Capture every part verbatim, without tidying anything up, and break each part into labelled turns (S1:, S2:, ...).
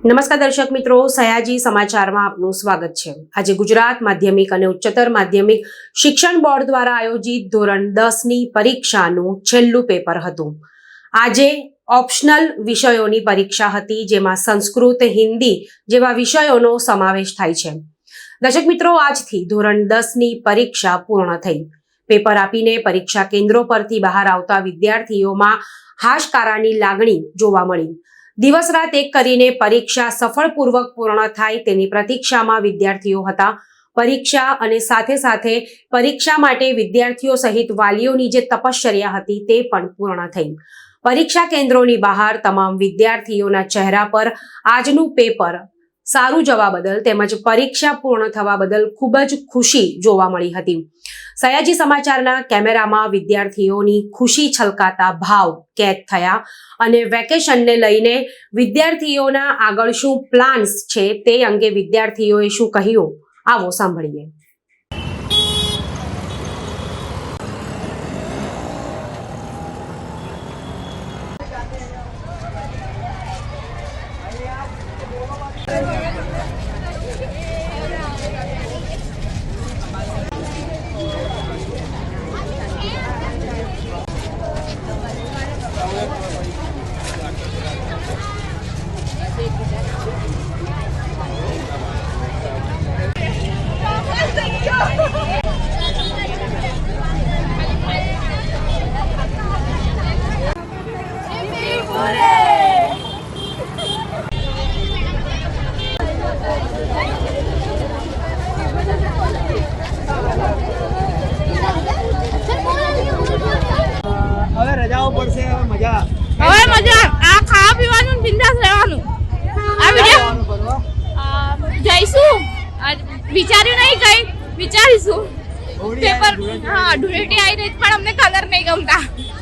S1: નમસ્કાર દર્શક મિત્રો, સયાજી સમાચારમાં આપનું સ્વાગત છે। આજે ગુજરાત માધ્યમિક અને ઉચ્ચતર માધ્યમિક શિક્ષણ બોર્ડ દ્વારા આયોજિત ધોરણ દસ ની પરીક્ષાનું છેલ્લું પેપર હતું। આજે ઓપ્શનલ વિષયોની પરીક્ષા હતી, જેમાં સંસ્કૃત, હિન્દી જેવા વિષયોનો સમાવેશ થાય છે। દર્શક મિત્રો, આજથી ધોરણ દસ ની પરીક્ષા પૂર્ણ થઈ। પેપર આપીને પરીક્ષા કેન્દ્રો પરથી બહાર આવતા વિદ્યાર્થીઓમાં હાશકારાની લાગણી જોવા મળી। દિવસ રાત એક કરીને પરીક્ષા સફળપૂર્વક પૂર્ણ થાય તેની પ્રતીક્ષામાં વિદ્યાર્થીઓ હતા। પરીક્ષા અને સાથે સાથે પરીક્ષા માટે વિદ્યાર્થીઓ સહિત વાલીઓની જે તપશ્ચર્યા હતી તે પણ પૂર્ણ થઈ। પરીક્ષા કેન્દ્રોની બહાર તમામ વિદ્યાર્થીઓના ચહેરા પર આજનું પેપર સારું જવા બદલ તેમજ પરીક્ષા પૂર્ણ થવા બદલ ખૂબ જ ખુશી જોવા મળી હતી। સયાજી સમાચારના કેમેરામાં વિદ્યાર્થીઓની ખુશી છલકાતા ભાવ કેદ થયા અને વેકેશનને લઈને વિદ્યાર્થીઓના આગળ શું પ્લાન્સ છે તે અંગે વિદ્યાર્થીઓએ શું કહ્યું, આવો સાંભળીએ।
S2: હવે રજાઓ પડશે, હવે મજા
S3: હવે મજા આ ખાવા પીવાનું બિંદાસ રહેવાનું। આ વિડિયો જઈશું, વિચાર્યું નહીં કઈ વિચારીશું। પેપર હા ધૂળેટી આવી રહી પણ અમને કલર નહીં ગમતા।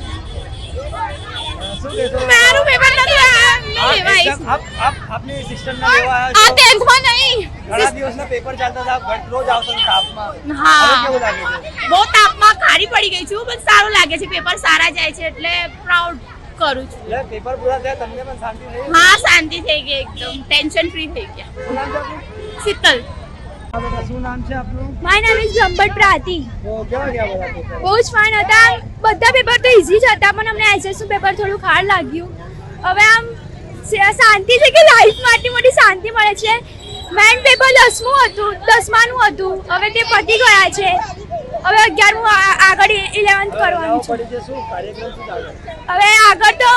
S3: મારું પેપર નથી લેવાય।
S2: આપ આપ આપની સિસ્ટમ ના લેવા
S3: આ ટેન્થ માં નહીં,
S2: ઘણા દિવસના પેપર ચાલતા હતા, ઘટ રોજ આવતો તાપમાં।
S3: હા
S2: હવે કેવું લાગે છે?
S3: બહુ તાપમાં ખારી પડી ગઈ છું, પણ સારું લાગે છે। પેપર સારા જાય છે એટલે પ્રાઉડ કરું છું।
S2: એટલે પેપર પૂરા થયા તમને પણ શાંતિ થઈ?
S3: હા શાંતિ થઈ ગઈ, એકદમ ટેન્શન ફ્રી થઈ ગયા।
S2: શું નામ છે આપનું?
S3: શીતલ।
S2: હા બેટા, શું નામ છે આપનું?
S3: માય નામ ઇઝ બ્રહ્મભટ્ટ પ્રાતિ।
S2: તો કેવા ગયા બધા પેપર?
S3: બહુ જ ફાઇન હતા। બધા પેપર તો ઈઝી જ હતા, પણ અમને એસએસનું પેપર થોડું હાર્ડ લાગ્યું। હવે આમ શાંતિ છે કે લાઈફમાં આટલી મોટી શાંતિ મળે છે। મેઇન પેપર દસમું હતું, દસમાનું હતું, હવે તે પતી ગયા છે। હવે અગિયારમું આગળ ઇલેવન્થ કરવાનું છે।
S2: પડી છે, શું કાર્યક્રમ શું ચાલે?
S3: હવે આગળ તો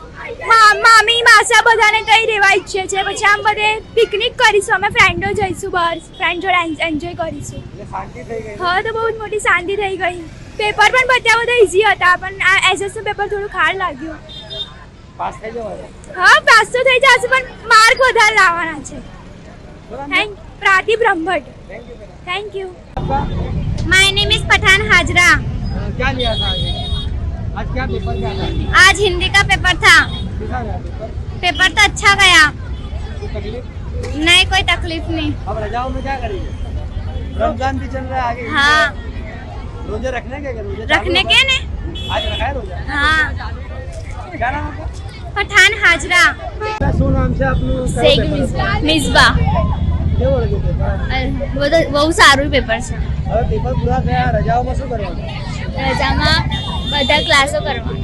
S3: મામી માસા બધાને કઈ રહેવા ઈચ્છે છે, પછી આમ બધે પિકનિક કરીશું, અમે ફ્રેન્ડો જઈશું બહાર, ફ્રેન્ડ જોડે એન્જોય કરીશું।
S2: એટલે શાંતિ થઈ ગઈ?
S3: હા તો બહુ જ મોટી શાંતિ થઈ ગઈ। પેપર પણ બધા બધા ઈઝી હતા, પણ આ એસએસનું પેપર થોડું હાર્ડ લાગ્યું।
S2: પાસ થઈ જવાય?
S3: હા પાસ તો થઈ જશે, પણ માર્ક વધારે લાવવાના છે। Thank Prati Brahmbhatt.
S2: Thank you બેટા।
S3: Thank you.
S2: आपका
S3: my name is Pathan Hajra.
S2: क्या लिया था आज? आज क्या पेपर क्या था?
S3: आज हिंदी का पेपर था।
S2: कैसा गया पेपर?
S3: पेपर तो अच्छा गया,
S2: कोई तकलीफ?
S3: नहीं कोई तकलीफ नहीं।
S2: अब रजाओं में क्या करेंगे? रमजान भी चल रहा है आगे।
S3: हाँ
S2: रोजे रखने के क्या? रोजे
S3: रखने
S2: चालू
S3: के
S2: है?
S3: ने।
S2: आज रखा है रोजा?
S3: हाँ
S2: क्या नाम है?
S3: पठान हाजरा।
S2: શું નામ છે આપનું?
S3: शेख मिसबा।
S2: કેવો લાગ્યો પેપર?
S3: वो तो बहुत साરું पेपर છે।
S2: હવે પેપર પૂરા થયા, રજાઓમાં શું કરવાનું?
S3: રજામાં બધા ક્લાસો કરવાના।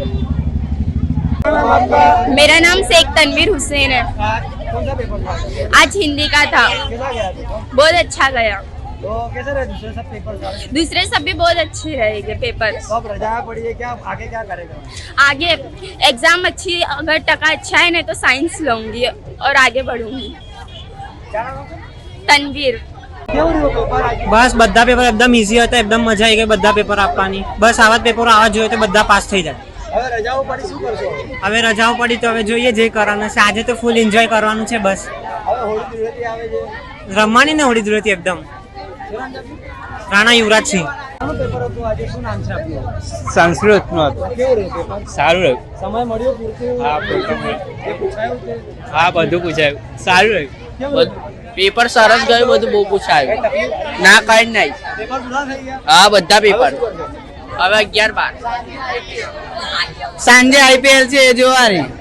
S2: क्या नाम आपका?
S3: मेरा नाम शेख तनवीर हुसैन है।
S2: आज कौन सा पेपर था?
S3: आज हिंदी का था,
S2: कैसा गया पेपर?
S3: बहुत अच्छा गया।
S2: तो कैसे रहे दूसरे सब पेपर सारे?
S3: दूसरे सब भी बहुत अच्छे रहेंगे पेपर।
S2: तो अब रजा पड़ी है, क्या आगे क्या करेगा?
S3: आगे एग्जाम अच्छी, अगर टका अच्छा है ना तो साइंस लूंगी और आगे बढ़ूंगी।
S2: क्या नाम है?
S3: तनवीर।
S2: કેવું રહ્યું પેપર આજે?
S4: બસ બધા પેપર એકદમ ઈઝી હતા, એકદમ મજા આવી ગઈ બધા પેપર આપવાની। બસ આવા જ પેપરો આવા જોઈએ તો બધા પાસ થઈ જાય।
S2: હવે રજાઓ પડી, શું કરશો?
S4: હવે રજાઓ પડી તો હવે જોઈએ જે કરવાનું છે। આજે તો ફૂલ એન્જોય કરવાનું છે બસ।
S2: હવે હોળી ધૂળેટી આવે છે,
S4: રમવાની ને હોળી ધૂળેટી એકદમ।
S2: શું નામ છે આપનું?
S4: રાણા યુવરાજ સિંહ।
S2: શાનું પેપર હતું આજે? શું નામ છે આપનું?
S5: સંસ્કૃતનું હતું,
S2: કેવું રહ્યું પેપર?
S5: સારું રહ્યું।
S2: સમય મળ્યો પૂરતું?
S5: હા, પૂરતું મળ્યું।
S2: જે પૂછાયું તે?
S5: હા બધું પૂછાયું, સારું રહ્યું।
S2: કેવું રહ્યું?
S5: પેપર સરસ ગયું, બધું બહુ પૂછાયું।
S2: કઈ તકલીફ?
S5: ના કઈ નહીં।
S2: પેપર પૂરા થઈ ગયા?
S5: હા બધા પેપર।
S2: હવે શું કરશો?
S5: હવે અગિયાર બાર સાંજે આઈપીએલ છે એ જોવાની।